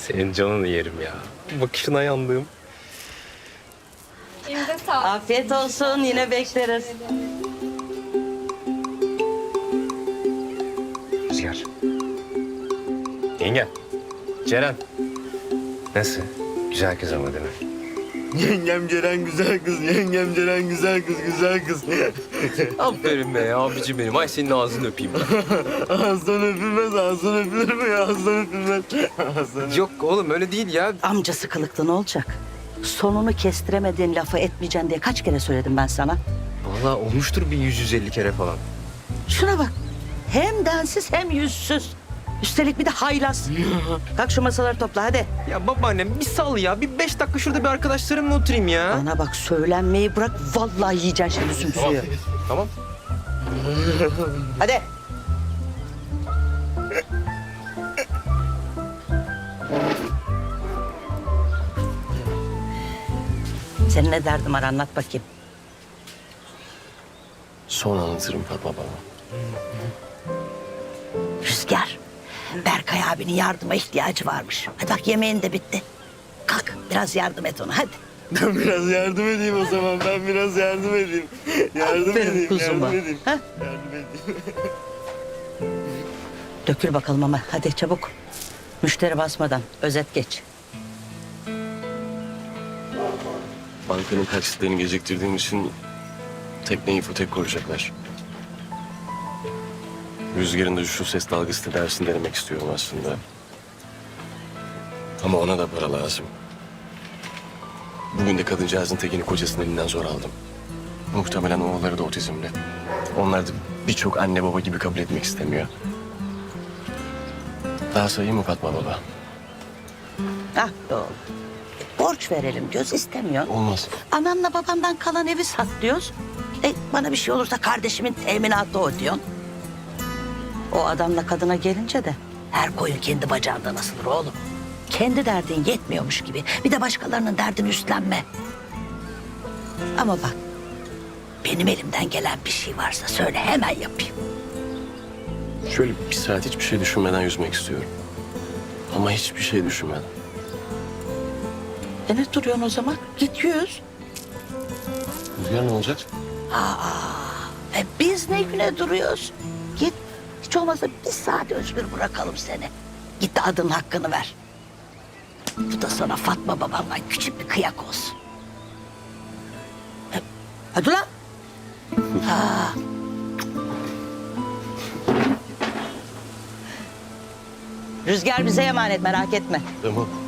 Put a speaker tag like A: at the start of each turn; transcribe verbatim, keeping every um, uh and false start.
A: Senin canını yerim ya. Bakışına yandım.
B: Elinize sağlık.
C: Afiyet olsun. Yine bekleriz.
A: Rüzgar. Yenge. Ceren. Nasıl? Güzel kız ama değil mi?
D: Yengem Ceren güzel kız, yengem Ceren güzel kız, güzel kız.
A: Aferin be abicim benim. Ay senin ağzını öpeyim.
D: Ağızdan öpülmez, ağızdan öpülür mü ya? Ağızdan öpülmez. Ağızdan
A: Yok oğlum öyle değil ya.
C: Amcası kılıklı ne olacak? Sonunu kestiremediğin lafı etmeyeceksin diye kaç kere söyledim ben sana?
A: Vallahi olmuştur bir yüz yüz elli kere falan.
C: Şuna bak. Hem densiz hem yüzsüz. Üstelik bir de haylaz. Kalk şu masaları topla hadi.
A: Ya babaannem bir sal ya. Bir beş dakika şurada bir arkadaşlarımla oturayım ya.
C: Bana bak söylenmeyi bırak. Vallahi yiyeceksin şimdi sümsüğü.
A: Tamam.
C: Hadi. Senin ne derdin var anlat bakayım.
D: Son anlatırım Fatma baba.
C: Rüzgar. Berkay abinin yardıma ihtiyacı varmış. Hadi bak yemeğin de bitti. Kalk biraz yardım et ona hadi.
D: Ben biraz yardım edeyim o zaman, ben biraz yardım edeyim. Yardım
C: Aferin
D: edeyim,
C: kuzuma.
D: yardım edeyim.
C: Ha?
D: Yardım edeyim.
C: Dökül bakalım ama hadi çabuk. Müşteri basmadan özet geç.
D: Bankanın taksitlerini geciktirdiğim için tekneyi ipotek koyacaklar. Rüzgar'ın da şu ses dalgası tedavisini denemek istiyorum aslında. Ama ona da para lazım. Bugün de kadıncağızın tekini kocasının elinden zor aldım. Muhtemelen oğulları da otizmli. Onlar da birçok anne baba gibi kabul etmek istemiyor. Daha sayayım mı Fatma baba?
C: Ah be oğlum. Borç verelim diyoruz istemiyor.
D: Olmaz.
C: Anamla babamdan kalan evi sat diyoruz. E, bana bir şey olursa kardeşimin teminatı o diyorsun. O adamla kadına gelince de her koyun kendi bacağından asılır oğlum. Kendi derdin yetmiyormuş gibi. Bir de başkalarının derdini üstlenme. Ama bak benim elimden gelen bir şey varsa söyle hemen yapayım.
D: Şöyle bir saat hiçbir şey düşünmeden yüzmek istiyorum. Ama hiçbir şey düşünmeden.
C: E ne duruyorsun o zaman? Git yüz.
D: Rüzgar ne olacak?
C: E biz ne güne duruyoruz? Git. Hiç olmazsa bir saat özgür bırakalım seni. Git de adının hakkını ver. Bu da sana Fatma babamdan küçük bir kıyak olsun. E, hadi lan. Ha. Rüzgar bize emanet merak etme.
D: Tamam.